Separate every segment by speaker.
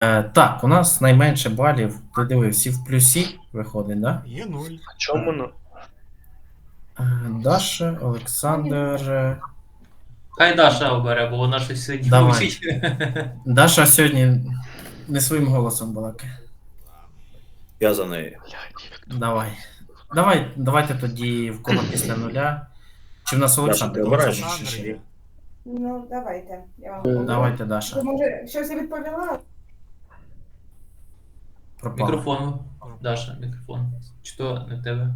Speaker 1: Так, у нас найменше балів. Ти диви, всі в плюсі виходить, да?
Speaker 2: Є 0.
Speaker 3: Чому ну?
Speaker 1: Даша, Олександр.
Speaker 4: Хай Даша обере, бо вона щось сьогодні
Speaker 1: Давай.
Speaker 4: мучить.
Speaker 1: Даша сьогодні не своїм голосом балакає.
Speaker 5: Я за неї.
Speaker 1: Давайте тоді в кого після нуля. Чи в нас Олександр?
Speaker 5: ти обираєш?
Speaker 1: Олександр ще є.
Speaker 6: Ну, давайте. Я вам
Speaker 1: Давайте, Даша.
Speaker 6: Ви, може, щось я відповіла?
Speaker 1: Пропала.
Speaker 4: Мікрофон. Даша, мікрофон. Чи то не в тебе?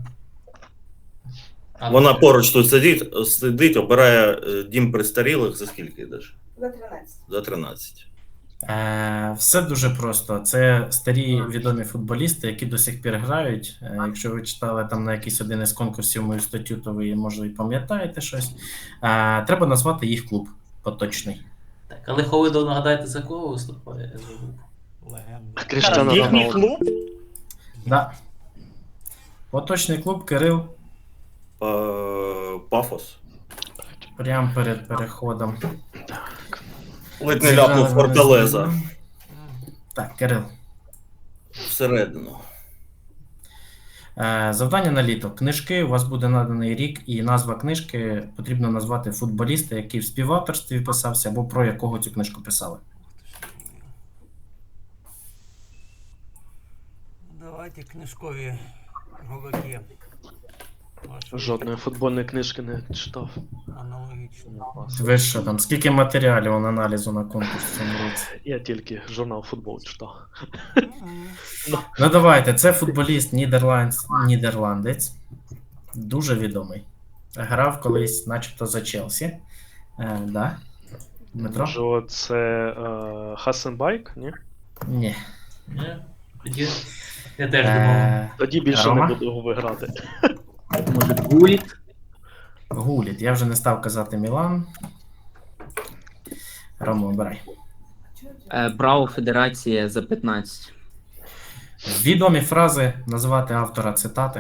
Speaker 5: Вона поруч тут сидить, обирає дім престарілих за скільки йдеш?
Speaker 6: За 13.
Speaker 5: За 13.
Speaker 1: Все дуже просто. Це старі відомі футболісти, які до сих пір грають. Якщо ви читали там на якийсь один із конкурсів мою статтю, то ви, може, і пам'ятаєте щось. Треба назвати їх клуб поточний.
Speaker 4: Так, але Ховидо, нагадайте, за кого виступає? Я забув.
Speaker 2: Легенда.
Speaker 3: Кріштиану
Speaker 7: Їхній
Speaker 3: Роналду.
Speaker 7: клуб?
Speaker 1: Да. Поточний клуб Кирил.
Speaker 5: Пафос.
Speaker 1: Прямо перед переходом.
Speaker 5: Ледь не ляпнув Форталеза.
Speaker 1: Так, Кирил.
Speaker 5: Всередину.
Speaker 1: Завдання на літо. Книжки, у вас буде наданий рік і назва книжки. Потрібно назвати футболіста, який в співавторстві писався, або про якого цю книжку писали.
Speaker 2: Давайте книжкові голоки.
Speaker 3: Жодної футбольної книжки не читав.
Speaker 2: Аналогічно.
Speaker 1: Ви що там, скільки матеріалів аналізу на конкурс в цьому році?
Speaker 3: Я тільки журнал футбол читав.
Speaker 1: Ну давайте, це футболіст нідерландець, дуже відомий. Грав колись начебто за Челсі. Да? Дмитро?
Speaker 3: Може, це Хасенбайк, ні?
Speaker 1: Ні.
Speaker 4: Ні? Тоді я теж думав.
Speaker 3: Тоді більше
Speaker 1: Рома?
Speaker 3: не буду його виграти.
Speaker 7: Може, Гуліт?
Speaker 1: Гуліт. Я вже не став казати Мілан. Рома, обирай.
Speaker 7: Браво Федерація за 15.
Speaker 1: Відомі фрази, назвати автора цитати.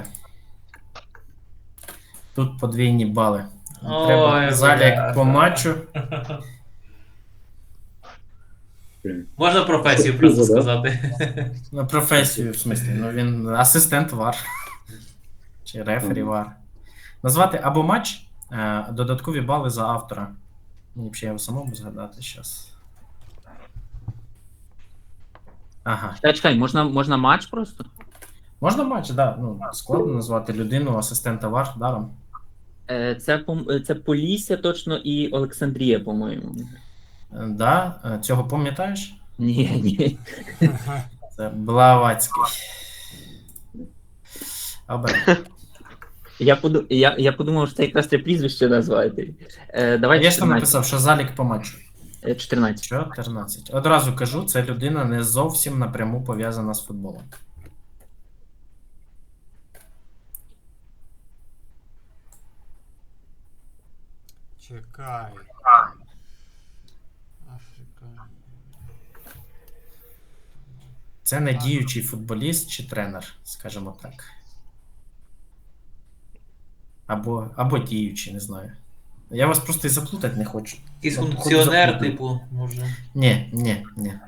Speaker 1: Тут подвійні бали. Треба
Speaker 4: Ой,
Speaker 1: залік
Speaker 4: бля.
Speaker 1: по матчу.
Speaker 4: Можна професію просто сказати.
Speaker 1: Ну, професію, в смислі. Ну, він асистент ВАР. Чи рефері ВАР. Назвати або матч, додаткові бали за автора. Мені б ще його самому згадати зараз. Ага.
Speaker 7: Чекай, можна матч просто?
Speaker 1: Можна матч, так. Да. Ну, складно назвати людину, асистента ВАР даром.
Speaker 7: Це Полісся точно і Олександрія, по-моєму.
Speaker 1: Да, цього пам'ятаєш?
Speaker 7: Ні.
Speaker 1: Це Блаватський. Обрай.
Speaker 7: Я подумав, що це якраз це прізвище назвати. Давай
Speaker 1: Я ж там
Speaker 7: 14.
Speaker 1: написав, що залік по матчу.
Speaker 7: 14.
Speaker 1: 14. Одразу кажу, це людина не зовсім напряму пов'язана з футболом.
Speaker 2: Чекай. Африка.
Speaker 1: Це не діючий футболіст чи тренер, скажімо так. Або діючий, не знаю. Я вас просто і заплутати не хочу.
Speaker 4: Якийсь
Speaker 1: Ну,
Speaker 4: функціонер,
Speaker 1: заплутаю.
Speaker 4: типу, може.
Speaker 1: Ні.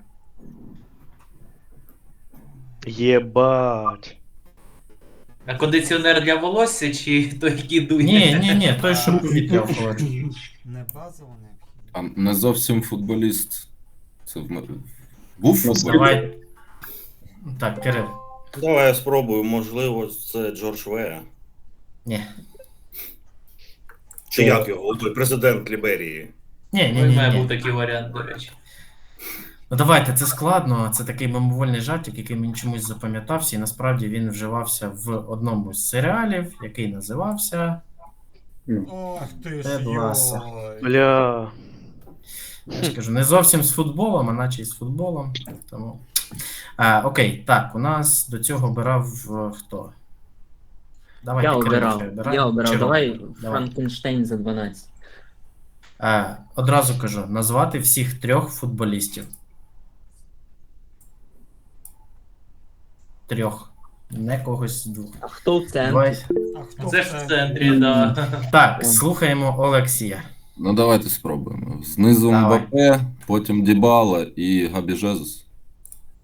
Speaker 3: Єбать.
Speaker 4: А кондиціонер для волосся чи той, який дує?
Speaker 1: Ні, той, що повітря охолоджує.
Speaker 2: Не базово, не.
Speaker 8: А не зовсім футболіст. Це був футболіст?
Speaker 1: Давай. Так, Кирил.
Speaker 5: Давай я спробую, можливо, це Джордж Веа.
Speaker 1: Ні.
Speaker 5: Чи як його? Той президент Ліберії.
Speaker 4: Ну, і має був
Speaker 1: Ні.
Speaker 4: такий варіант, до речі.
Speaker 1: Ну давайте, це складно. Це такий мимовольний жартик, який мені чомусь запам'ятався, і насправді він вживався в одному з серіалів, який називався.
Speaker 2: Ох ти
Speaker 1: Тед
Speaker 2: ж
Speaker 1: Лассо.
Speaker 2: йой.
Speaker 3: Бля.
Speaker 1: Я ж кажу, не зовсім з футболом, а наче й з футболом. Тому... Окей, так, у нас до цього обирав хто? Давайте,
Speaker 7: Я
Speaker 1: Кирил,
Speaker 7: обирав.
Speaker 1: хай обирає.
Speaker 7: Я обирав.
Speaker 1: Чи
Speaker 7: Давай
Speaker 1: Рома?
Speaker 7: Франкенштейн за 12.
Speaker 1: Одразу кажу, назвати всіх 3 футболістів. 3. Не когось з 2.
Speaker 7: А хто в центрі?
Speaker 1: Давай.
Speaker 2: А хто
Speaker 4: Це ж в центрі, да.
Speaker 1: Так, слухаємо Олексія.
Speaker 8: Ну давайте спробуємо. Знизу
Speaker 1: Давай.
Speaker 8: Мбаппе, потім Дібала і Габі Жезус.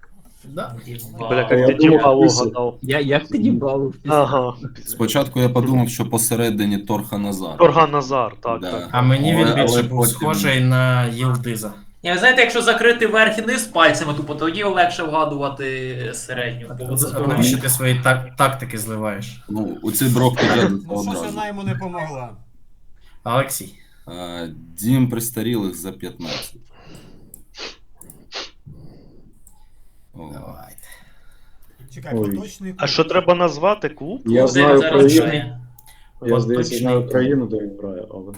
Speaker 1: Да.
Speaker 3: Бля,
Speaker 4: Вау.
Speaker 3: як ти Дібалу гадав.
Speaker 7: Як ти дібав?
Speaker 3: Ага.
Speaker 8: Спочатку я подумав, що посередині Торха Назар.
Speaker 3: Торган Назар, так,
Speaker 8: Да.
Speaker 3: так.
Speaker 1: А мені він
Speaker 8: Але
Speaker 1: більше був
Speaker 8: потім-
Speaker 1: схожий на Єлдиза.
Speaker 4: Ні, ви знаєте, якщо закрити верх і низ пальцями, тупо тоді легше вгадувати середню.
Speaker 1: А навіщо ти свої тактики зливаєш?
Speaker 8: Ну, у цей брок підрядився
Speaker 2: Ну, щось
Speaker 8: одразу.
Speaker 2: вона йому не помогла.
Speaker 1: Олексій.
Speaker 8: Дім престарілих за 15. О,
Speaker 1: Давайте.
Speaker 2: Чекай,
Speaker 9: Ой.
Speaker 2: поточний
Speaker 3: А що треба назвати клуб?
Speaker 9: Я
Speaker 4: Де
Speaker 9: знаю
Speaker 4: він зараз
Speaker 9: країну.
Speaker 4: грає?
Speaker 9: Я здається,
Speaker 1: Поточний
Speaker 9: знаю
Speaker 1: клуб.
Speaker 9: країну, де він грає, але.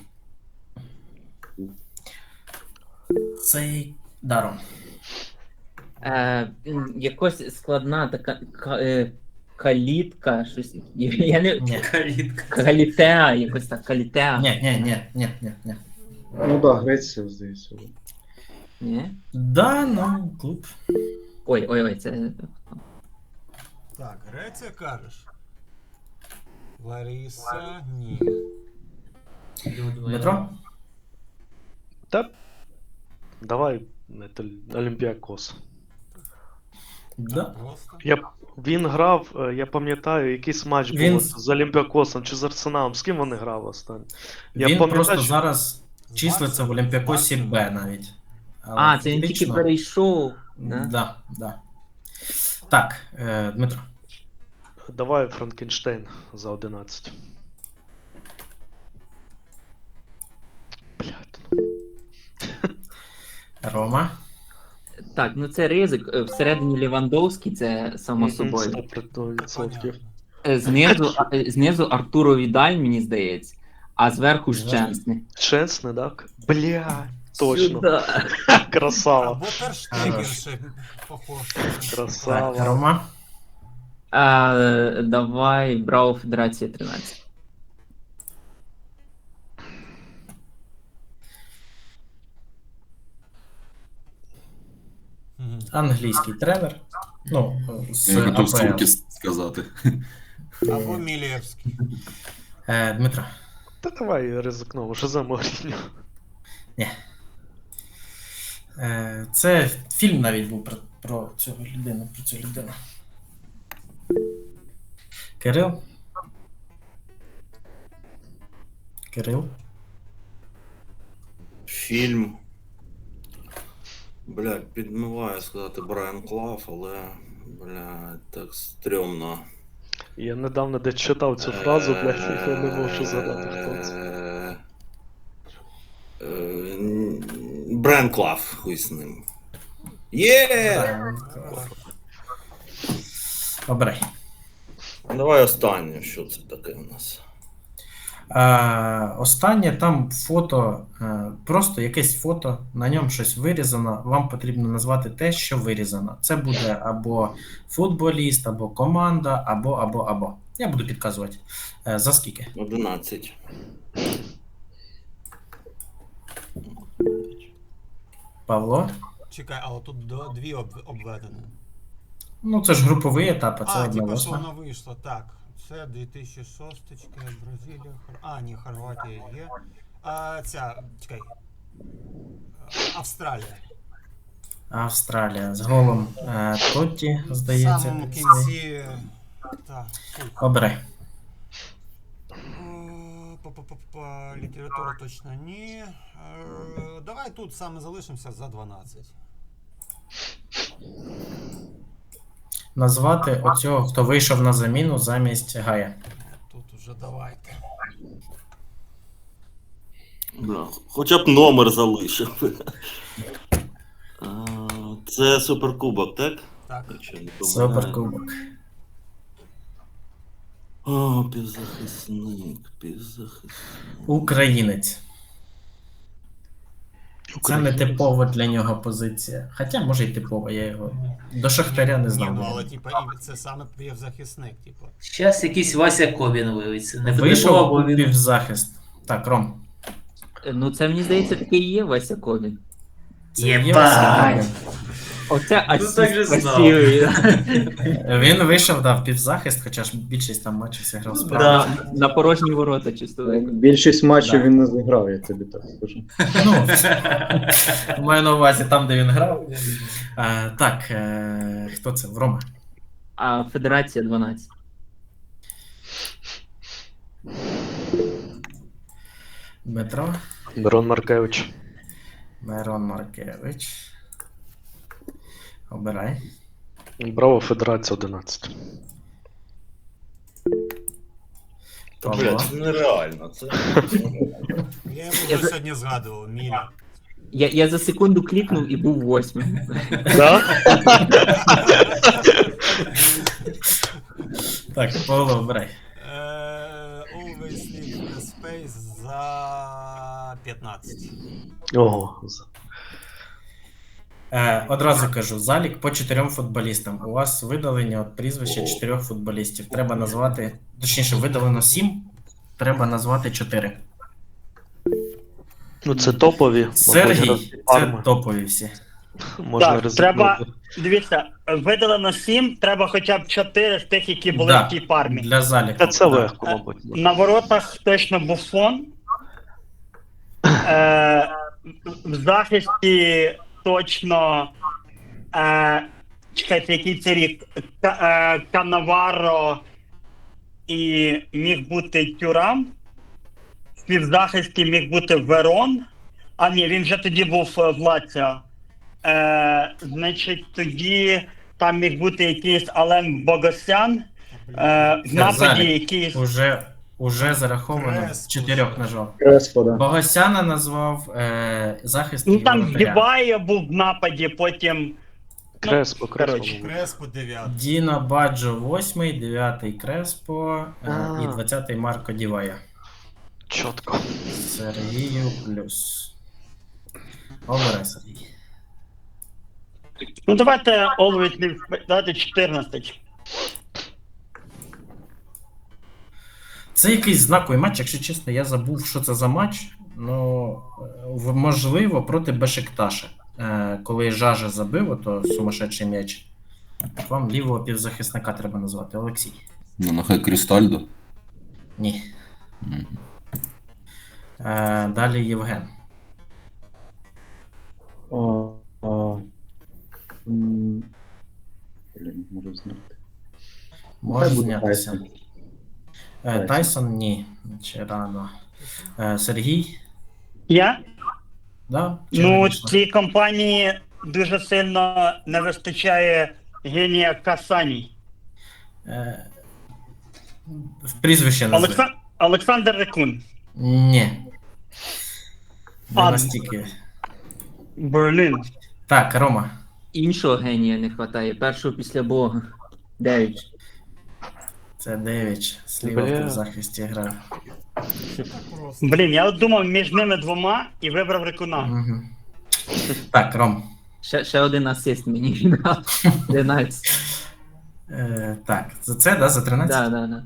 Speaker 1: Цей даром.
Speaker 7: Якось складна така калітка, щось. Я не.
Speaker 1: Ні.
Speaker 4: Калітка.
Speaker 7: Калітеа, якось так, калітеа.
Speaker 1: Ні.
Speaker 9: Ну так, Греція, здається.
Speaker 7: Ні?
Speaker 1: Да, ну, клуб.
Speaker 7: Ой, це.
Speaker 2: Так, Греція кажеш. Лариса, ні.
Speaker 1: Дмитро?
Speaker 3: Та давай Олімпіакос.
Speaker 1: Да.
Speaker 2: Просто.
Speaker 3: Він грав, я пам'ятаю, якийсь матч
Speaker 1: Він-
Speaker 3: був з Олімпіакосом чи з Арсеналом. З ким вони грали останній? Я
Speaker 1: Він
Speaker 3: пам'ятаю,
Speaker 1: просто
Speaker 3: що-
Speaker 1: зараз
Speaker 2: З
Speaker 1: числиться в
Speaker 2: Барсою,
Speaker 1: Олімпіакосі
Speaker 2: з
Speaker 1: Б
Speaker 2: Барсою.
Speaker 1: навіть. Але
Speaker 7: Це він тільки
Speaker 1: фактично-
Speaker 7: перейшов. Да?
Speaker 1: Да. Так, Дмитро.
Speaker 3: Давай Франкенштейн за 11. Блядь.
Speaker 1: Рома.
Speaker 7: Так, ну це ризик. Всередині Лівандовський, це само собою.
Speaker 3: 100%.
Speaker 7: Знизу Артуро Відаль, мені здається, а зверху Щенсний.
Speaker 3: Чесне, так? Блядь, точно. Красава.
Speaker 2: Або Терштегер ще похож.
Speaker 1: Так,
Speaker 3: Красава.
Speaker 1: Рома.
Speaker 7: Давай Браво Федерація 13.
Speaker 2: Мгм.
Speaker 1: Англійський тренер. Ну, з
Speaker 8: я готов
Speaker 1: АПЛ.
Speaker 8: сумки сказати.
Speaker 2: Або Мілєвський.
Speaker 1: Дмитро.
Speaker 3: Та давай ризикнув, що за Моріньо.
Speaker 1: Це фільм навіть був про цю людину. Кирил.
Speaker 5: Фільм. Блядь, підмиваю сказати Брайан Клав, але, блядь, так стрьомно.
Speaker 3: Я недавно де читав цю фразу, блядь, я не можу згадати, хто це.
Speaker 5: Брайан Клав, хуй з ним. Є!
Speaker 1: Обирай.
Speaker 5: Давай останнє, що це таке у нас.
Speaker 1: Останнє там фото, просто якесь фото, на ньому щось вирізано. Вам потрібно назвати те, що вирізано. Це буде або футболіст, або команда, або. Я буду підказувати. За скільки?
Speaker 5: 11.
Speaker 1: Павло?
Speaker 2: Чекай, але тут дві обведені.
Speaker 1: Ну, це ж груповий етап, а це одна
Speaker 2: типу, що
Speaker 1: восьма.
Speaker 2: воно вийшло. Так, це 2006, Бразилія, ні, Хорватія є. Чекай. Австралія.
Speaker 1: Австралія з голом Тотті,
Speaker 2: В
Speaker 1: здається.
Speaker 2: самому
Speaker 1: цей.
Speaker 2: кінці. Так,
Speaker 1: Обирай.
Speaker 2: Література точно ні. Давай тут саме залишимося за 12.
Speaker 1: Назвати оцього, хто вийшов на заміну замість Гая.
Speaker 2: Тут уже давайте.
Speaker 5: Бля, хоча б номер залишив. Це суперкубок, так?
Speaker 2: Так.
Speaker 5: Якщо не помиляюсь.
Speaker 1: Суперкубок.
Speaker 5: О, півзахисник.
Speaker 1: Українець. Це не типова для нього позиція. Хоча, може й типова, я його до Шахтаря не
Speaker 2: Ні,
Speaker 1: знав.
Speaker 2: ну, але типа, і це саме півзахисник, типу.
Speaker 4: Щас якийсь Вася Ковін виявиться. Не
Speaker 1: Вийшов
Speaker 4: або
Speaker 1: у
Speaker 4: він.
Speaker 1: півзахист. Так, Ром.
Speaker 7: Ну, це мені здається, такий і є Вася Ковін.
Speaker 1: Це є
Speaker 4: Єбать!
Speaker 1: Василь Ковін.
Speaker 7: Оце
Speaker 4: Ну, так же
Speaker 7: асіст
Speaker 4: знав.
Speaker 7: красивий.
Speaker 1: Він вийшов, да, в півзахист, хоча ж більшість там матчів зіграв справа.
Speaker 7: Да, на порожні ворота чисто.
Speaker 9: Більшість матчів
Speaker 1: Да.
Speaker 9: він не зіграв, я тобі так скажу.
Speaker 1: Ну, маю на увазі там, де він грав. Так, хто це? Рома.
Speaker 7: А Федерація 12.
Speaker 1: Дмитро.
Speaker 3: Мирон Маркевич.
Speaker 1: Мирон Маркевич. Обирай.
Speaker 3: Браво, Федерація 11.
Speaker 5: Та,
Speaker 1: Павло.
Speaker 5: блядь, це нереально. Це...
Speaker 2: Я його вже сьогодні згадував, Міля.
Speaker 7: Я за секунду клікнув і був 8.
Speaker 3: Да?
Speaker 1: Так, Павло, обирай.
Speaker 2: Always leave the space за 15.
Speaker 3: Ого.
Speaker 1: Одразу кажу, залік по 4 футболістам. У вас видалення от прізвища 4 футболістів. Треба назвати, точніше, видалено 7, треба назвати 4.
Speaker 3: Ну це топові.
Speaker 1: Сергій, це
Speaker 3: Парма.
Speaker 1: топові всі.
Speaker 3: Можна
Speaker 10: Так,
Speaker 3: ризикнути.
Speaker 10: треба- Дивіться, видалено 7, треба хоча б 4 з тих, які були
Speaker 1: Да.
Speaker 10: в тій пармі.
Speaker 1: Для заліку.
Speaker 3: Та це
Speaker 1: Да.
Speaker 3: легко, мабуть.
Speaker 10: На воротах точно Буфон. В захисті точно. Чекайте, який це рік? Канаваро і міг бути Тюрам. В півзахисті міг бути Верон. А ні, він вже тоді був в Лаціо. Значить, тоді там міг бути якийсь Ален Богосян. В нападі
Speaker 1: Залік.
Speaker 10: якийсь.
Speaker 1: Уже зараховано
Speaker 2: Крес.
Speaker 1: 4 нажав.
Speaker 9: Креспо, да.
Speaker 1: Богосяна назвав захист
Speaker 10: Ну
Speaker 1: і
Speaker 10: там
Speaker 1: воротаря.
Speaker 10: Дібайо був в нападі, потім.
Speaker 3: Креспо,
Speaker 10: коротше.
Speaker 3: Креспо.
Speaker 2: Креспо 9.
Speaker 1: Діно Баджо 8, 9 Креспо і 20 Марко Дівая.
Speaker 3: Чітко.
Speaker 1: Сергію плюс. Обирай, Сергій.
Speaker 10: Ну давайте Always Leave Space, давайте 14.
Speaker 1: Це якийсь знаковий матч, якщо чесно, я забув, що це за матч. Ну, можливо, проти Бешикташа. Коли Жажа забив, ото сумасшедший м'яч. Вам лівого півзахисника треба назвати. Олексій.
Speaker 8: Ну, нехай Крістальдо.
Speaker 1: Ні.
Speaker 8: Мгм.
Speaker 1: Далі Євген.
Speaker 9: Блін, можу знати.
Speaker 1: Може
Speaker 9: Хай буде
Speaker 1: знятися.
Speaker 9: Тайсон.
Speaker 1: Тайсон ні. Ще рано. Сергій?
Speaker 10: Я?
Speaker 1: Да? Чи
Speaker 10: Ну,
Speaker 1: вийшло?
Speaker 10: цій компанії дуже сильно не вистачає генія Касані.
Speaker 1: В прізвище назви.
Speaker 10: Олександр Рекун.
Speaker 1: Ні. Не
Speaker 10: А,
Speaker 1: настільки.
Speaker 10: Берлін.
Speaker 1: Так, Рома.
Speaker 7: Іншого генія не вистачає, першого після Бога. 9.
Speaker 1: Це Девіч. Сліва в
Speaker 3: Бля.
Speaker 1: півзахисті грав.
Speaker 2: Так просто.
Speaker 10: Блін, я от думав між ними двома і вибрав Рекуна.
Speaker 1: Угу. Так, Ром.
Speaker 7: Ще один асист мені віддав. 11.
Speaker 1: Так, за це, да, за 13?
Speaker 7: Да.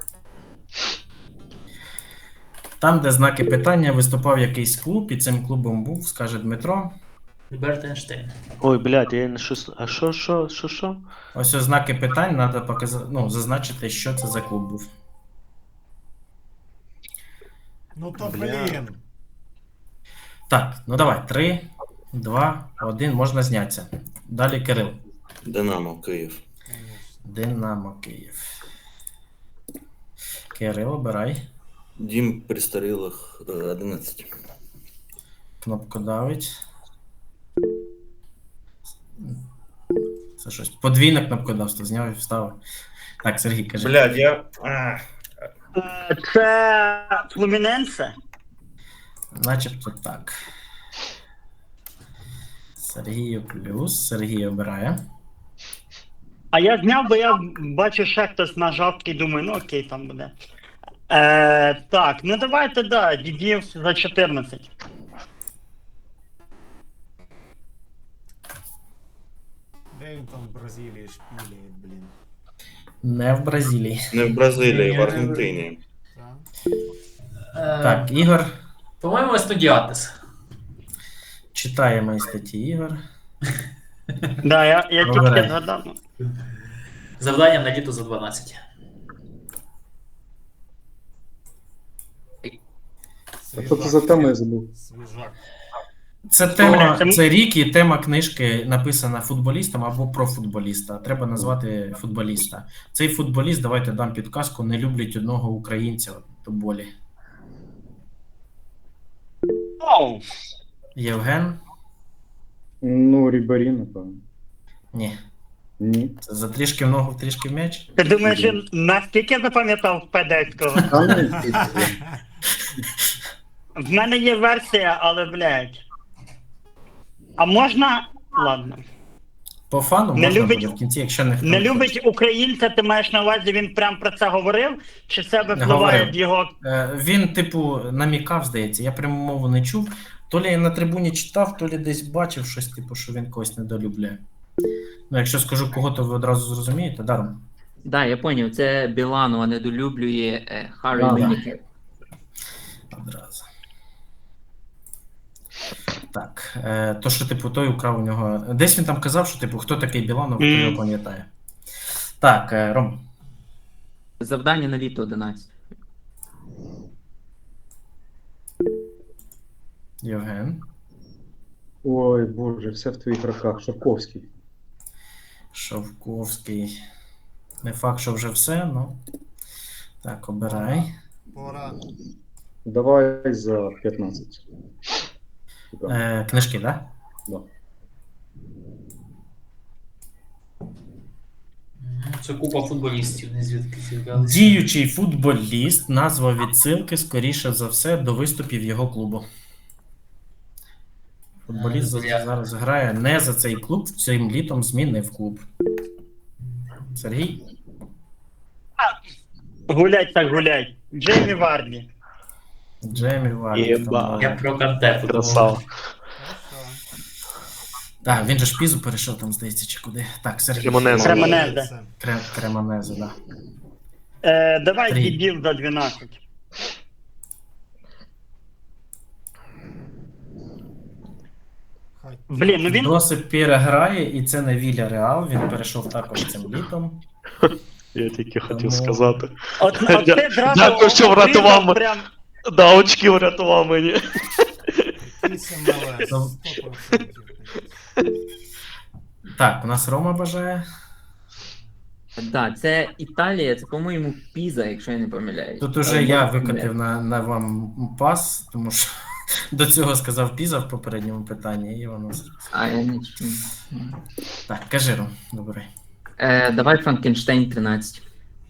Speaker 1: Там, де знаки питання, виступав якийсь клуб, і цим клубом був, скаже Дмитро.
Speaker 4: Альберт Ейнштейн.
Speaker 3: Ой, блядь, я не щось. А що?
Speaker 1: Ось ось знаки питань, треба показати, ну, зазначити, що це за клуб був.
Speaker 2: Ну то блін.
Speaker 1: Так, ну давай, 3, 2, 1, можна знятися. Далі Кирил.
Speaker 5: Динамо, Київ.
Speaker 1: Динамо Київ. Кирил, обирай.
Speaker 5: Дім престарілих 11.
Speaker 1: Кнопку давить. Це щось. Подвійне кнопкодавство, зняв і вставив. Так, Сергій, кажи.
Speaker 5: Блядь, я...
Speaker 10: Це Флуміненсе.
Speaker 1: Начебто так. Сергію плюс. Сергій обирає.
Speaker 10: А я зняв, бо я бачу, ще хтось нажав і думаю, ну окей, там буде. Так, ну давайте, да, Дідів за 14.
Speaker 2: Де він там в Бразилії шпілює, блін.
Speaker 1: Не в Бразилії.
Speaker 5: Не в Бразилії, в Аргентині.
Speaker 2: Так?
Speaker 1: Так, Ігор.
Speaker 4: По-моєму, Естудіатес.
Speaker 1: Читаємо із статті Ігор.
Speaker 10: Да, я
Speaker 1: Вибирай.
Speaker 10: тільки згадав.
Speaker 4: Завдання на літо за 12.
Speaker 9: А що це за тема, я забув.
Speaker 2: Свіжак.
Speaker 1: Це тема,
Speaker 10: Це-
Speaker 1: це рік і тема книжки написана футболістом або про футболіста. Треба назвати футболіста. Цей футболіст, давайте дам підказку, не люблять одного українця до болі.
Speaker 10: Оу,
Speaker 1: Євген?
Speaker 9: Ну, Рібарі, напевно.
Speaker 1: Ні.
Speaker 9: Ні.
Speaker 1: Це за трішки в ногу, трішки в м'яч.
Speaker 10: ти думаєш, він наскільки запам'ятав Педецького?
Speaker 9: Там не пізно.
Speaker 10: В мене є версія, але, блядь. А можна. Ладно.
Speaker 1: По фану
Speaker 10: Не
Speaker 1: можна
Speaker 10: любить-
Speaker 1: буде в кінці, якщо не
Speaker 10: Не любить українця, ти маєш на увазі, він прям про це говорив? Чи це випливає
Speaker 1: говорив.
Speaker 10: в його.
Speaker 1: Він, типу, намікав, здається. Я пряму мову не чув. То лі я на трибуні читав, то лі десь бачив щось, типу, що він когось недолюбляє. Ну, якщо скажу кого, то ви одразу зрозумієте, даром.
Speaker 7: Да, я поняв, це Біланова недолюблює Харі
Speaker 9: Да.
Speaker 7: Лінікер.
Speaker 1: Одразу. Так, то, що, типу, той украв у нього. Десь він там казав, що, типу, хто такий Біланов, хто його пам'ятає. Так, Ром.
Speaker 7: Завдання на літо 11.
Speaker 1: Євген.
Speaker 9: Ой, боже, все в твоїх руках. Шовковський.
Speaker 1: Шовковський. Не факт, що вже все, ну. Так, обирай.
Speaker 2: Пора.
Speaker 9: Давай за 15.
Speaker 1: Книжки, так?
Speaker 9: Да.
Speaker 4: Це купа футболістів, не звідки з'являлися.
Speaker 1: Діючий футболіст, назва відсилки, скоріше за все, до виступів його клубу. Футболіст зараз грає не за цей клуб, цим літом змінив клуб. Сергій?
Speaker 10: Гулять так гулять. Джеймі Варді.
Speaker 1: Джеймі Варді.
Speaker 3: Єба.
Speaker 4: Я про Канте
Speaker 3: Красава.
Speaker 2: Хорошо.
Speaker 1: Так, він же ж Пізу перейшов там, здається, чи куди. Так, Сергій.
Speaker 3: Кремонезе.
Speaker 10: Кремонезе.
Speaker 1: Кремонезе, да.
Speaker 10: Давай
Speaker 1: Три.
Speaker 10: дебіл за 12.
Speaker 2: Хай.
Speaker 10: Блін, ну він.
Speaker 1: Досить переграє, і це не Віля Реал, він перейшов також цим літом.
Speaker 3: Я тільки хотів
Speaker 1: Тому-
Speaker 3: сказати.
Speaker 10: От ти зразу
Speaker 3: Дякую, що врятував мене.
Speaker 10: прям.
Speaker 3: Да, очки врятував мені.
Speaker 2: 8 МЛС.
Speaker 1: Ну.
Speaker 2: 100%.
Speaker 1: Так, у нас Рома бажає.
Speaker 7: Да, це Італія, це, по-моєму, Піза, якщо я не помиляюсь.
Speaker 1: Тут уже я викотив на вам пас, тому що до цього сказав Піза в попередньому питанні, і воно.
Speaker 7: А, я не чую.
Speaker 1: Так, кажи, Ром, добре.
Speaker 7: Давай Франкенштейн 13.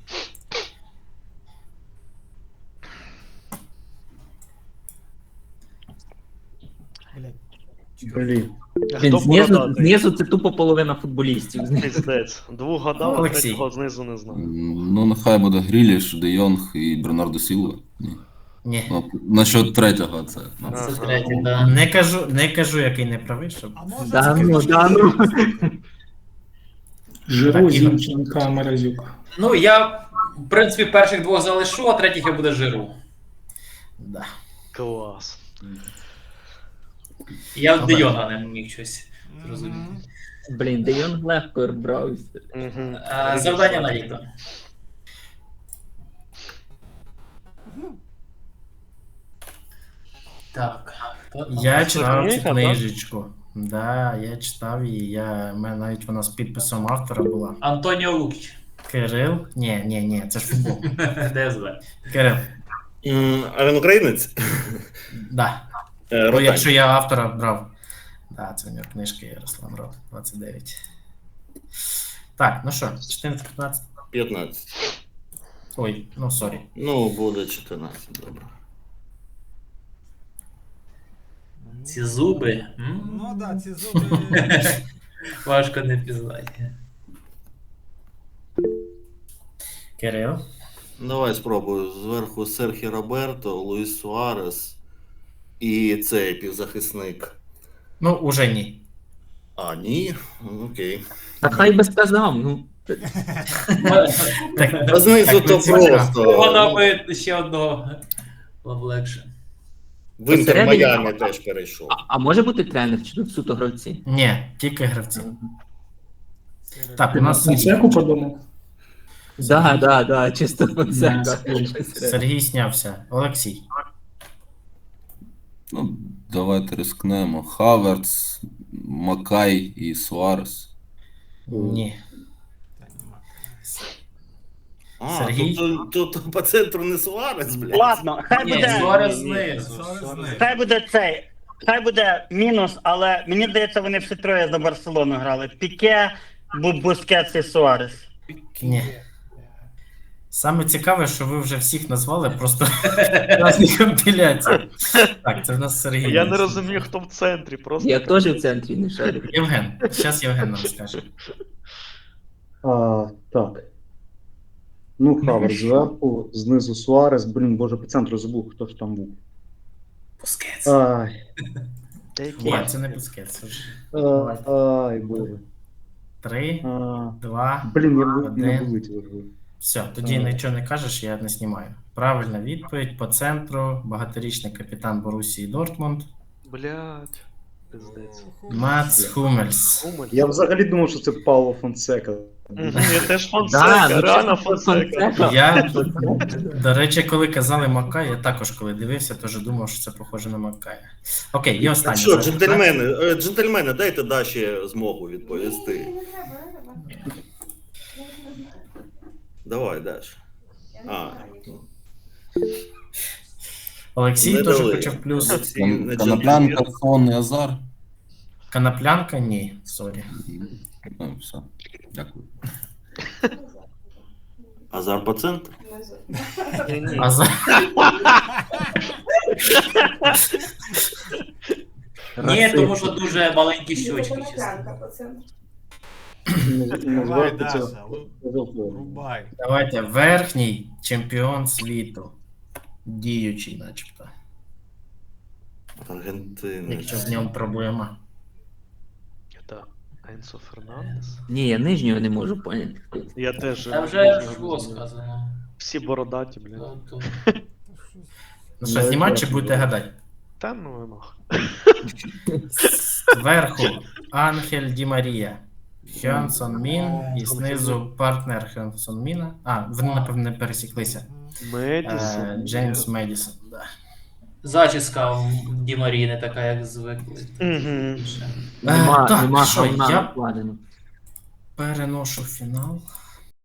Speaker 2: Блядь.
Speaker 9: Блін.
Speaker 7: Він
Speaker 3: Хто
Speaker 7: знизу,
Speaker 3: бородатий?
Speaker 7: знизу це тупо половина футболістів.
Speaker 3: Піздець. Двох гадав, а
Speaker 1: Олексій.
Speaker 3: третього знизу не знаю.
Speaker 8: Ну, нехай буде Гріліш, Де Йонг і Бернардо Сілва. Ні.
Speaker 1: Ні.
Speaker 8: Ну, насчет третього це. Ну.
Speaker 4: Це
Speaker 3: Ага.
Speaker 4: третє, да.
Speaker 1: Не кажу, який не правий, щоб.
Speaker 2: А може
Speaker 7: Да
Speaker 2: це
Speaker 7: ну,
Speaker 2: ти-
Speaker 7: да ну.
Speaker 1: Жиру,
Speaker 11: Зінченка, Морозюк.
Speaker 4: Ну, я, в принципі, перших двох залишу, а третіх я буде Жиру.
Speaker 1: Да.
Speaker 3: Клас.
Speaker 4: Я в
Speaker 1: Добре.
Speaker 4: Дейона не міг щось зрозуміти.
Speaker 7: Блін, Де Йонг легко брався.
Speaker 3: Угу.
Speaker 4: Завдання на літо. Так.
Speaker 1: Я читав цю
Speaker 3: книга,
Speaker 1: книжечку. Да, я читав її. У мене навіть вона з підписом автора була.
Speaker 4: Антоніо Лукіч.
Speaker 1: Кирил. Ні, це ж футбол.
Speaker 4: ДСВ.
Speaker 1: Кирил.
Speaker 5: А він українець?
Speaker 1: Да. Бо
Speaker 5: Ротань.
Speaker 1: якщо я автора брав. Да, це у нього книжки Ярослав Рот, 29. Так, ну що, 14-15.
Speaker 5: 15.
Speaker 1: Ой, ну сорі.
Speaker 5: Ну, буде 14, добре.
Speaker 4: Ці зуби.
Speaker 2: Ну да, ці зуби.
Speaker 4: Важко не пізнати.
Speaker 1: Кирил.
Speaker 5: Давай спробую. Зверху Серхі Роберто, Луїс Суарес і цей півзахисник.
Speaker 1: Ну, уже ні.
Speaker 5: А, ні? Окей.
Speaker 7: Та хай би сказав, ну.
Speaker 1: Так,
Speaker 5: А знизу
Speaker 1: так,
Speaker 5: то
Speaker 1: ви цікаво.
Speaker 5: просто.
Speaker 4: Вона би ще одного було б легше.
Speaker 5: В Інтер
Speaker 7: Посередині-
Speaker 5: Майамі теж перейшов.
Speaker 7: А може бути тренер, чи тут суто гравці?
Speaker 1: Ні, тільки гравці. Так, у нас
Speaker 9: Фонсеку подумав?
Speaker 7: Да, чисто Фонсека.
Speaker 1: Сергій снявся. Олексій.
Speaker 8: Ну, давайте рискнемо. Хаверц, Макай і Суарес.
Speaker 1: Ні.
Speaker 5: А,
Speaker 1: Сергій?
Speaker 5: тут по центру не Суарес, блядь.
Speaker 10: Ладно, хай
Speaker 4: Ні,
Speaker 10: буде.
Speaker 4: Суарес знизу.
Speaker 10: Хай буде цей. Хай буде мінус, але мені здається, вони всі троє за Барселону грали. Піке, Бускетс і Суарес.
Speaker 1: Ні. Саме цікаве, що ви вже всіх назвали, просто в різних компіляціях. Так, це в нас Сергій.
Speaker 3: Я не розумію, хто в центрі, просто.
Speaker 7: Я теж в центрі не шарю.
Speaker 1: Євген. Зараз Євген нам скаже.
Speaker 9: Так. Ну, Хавер зверху, знизу Суарес, блін, боже, по центру забув, хто ж там був.
Speaker 1: Бускетс.
Speaker 9: Ай,
Speaker 3: Деякі.
Speaker 1: Ні, це не Бускетс. це ж.
Speaker 9: ай, боже.
Speaker 1: 3,
Speaker 9: А,
Speaker 1: 2.
Speaker 9: Блін, я
Speaker 1: Один.
Speaker 9: не вилетів.
Speaker 1: Все, тоді нічого не кажеш, я не знімаю. Правильна відповідь по центру. Багаторічний капітан Борусії Дортмунд.
Speaker 3: Блядь. Пиздець.
Speaker 1: Мац Хумельс.
Speaker 3: Умель.
Speaker 9: Я взагалі думав, що це Пауло Фонсека.
Speaker 3: Я теж
Speaker 7: Да,
Speaker 3: Фонсека,
Speaker 7: ну
Speaker 3: реально
Speaker 7: чесно,
Speaker 3: Фонсека.
Speaker 7: Фонсека.
Speaker 1: Я, до речі, коли казали Макай, я також коли дивився, теж думав, що це похоже на Макая. Окей, і останнє.
Speaker 5: Що,
Speaker 1: запитання.
Speaker 5: джентльмени, дайте Даші змогу відповісти.
Speaker 6: Не треба.
Speaker 5: Давай, Даш.
Speaker 6: Я не
Speaker 5: А,
Speaker 6: знаю.
Speaker 5: ну,
Speaker 1: Олексій
Speaker 5: не
Speaker 1: теж
Speaker 5: дали.
Speaker 1: хоче плюс.
Speaker 5: Олексій не
Speaker 8: Коноплянка,
Speaker 5: джентльмен.
Speaker 8: Сон і Азар.
Speaker 1: Коноплянка? Ні, сорі.
Speaker 8: Ну, все. Дякую.
Speaker 5: Азар по центру?
Speaker 10: Ні-ні.
Speaker 1: А за...
Speaker 4: Ні, тому що дуже маленькі щочки. чесно.
Speaker 6: Коноплянка по центру.
Speaker 2: Давай, Даша, рубай.
Speaker 1: Давайте, верхній чемпіон світу. Діючий, начебто.
Speaker 5: Аргентини.
Speaker 1: Якщо в ньому проблема.
Speaker 3: Так. Енсо Фернандес.
Speaker 7: Ні, я нижнього не можу поняти.
Speaker 3: Я теж.
Speaker 4: Та вже
Speaker 3: нижнього
Speaker 4: ж
Speaker 3: не
Speaker 4: було
Speaker 3: знаю.
Speaker 4: сказано.
Speaker 3: Всі бородаті, блядь.
Speaker 4: Тут-
Speaker 1: Ну що, знімати чи будете гадати?
Speaker 3: Та ну нах.
Speaker 1: Зверху Ангель Ді Марія. Хьонсон Мін і знизу партнер Хьонсон Міна. А, вони, напевно, не пересіклися.
Speaker 3: Медісон.
Speaker 1: Джеймс Медісон. Да.
Speaker 4: Зачіска в Ді Марії не така, як звикли.
Speaker 3: Угу.
Speaker 7: Нема
Speaker 1: так,
Speaker 7: нема
Speaker 1: що,
Speaker 7: говна
Speaker 1: я
Speaker 7: накладено.
Speaker 1: переношу фінал.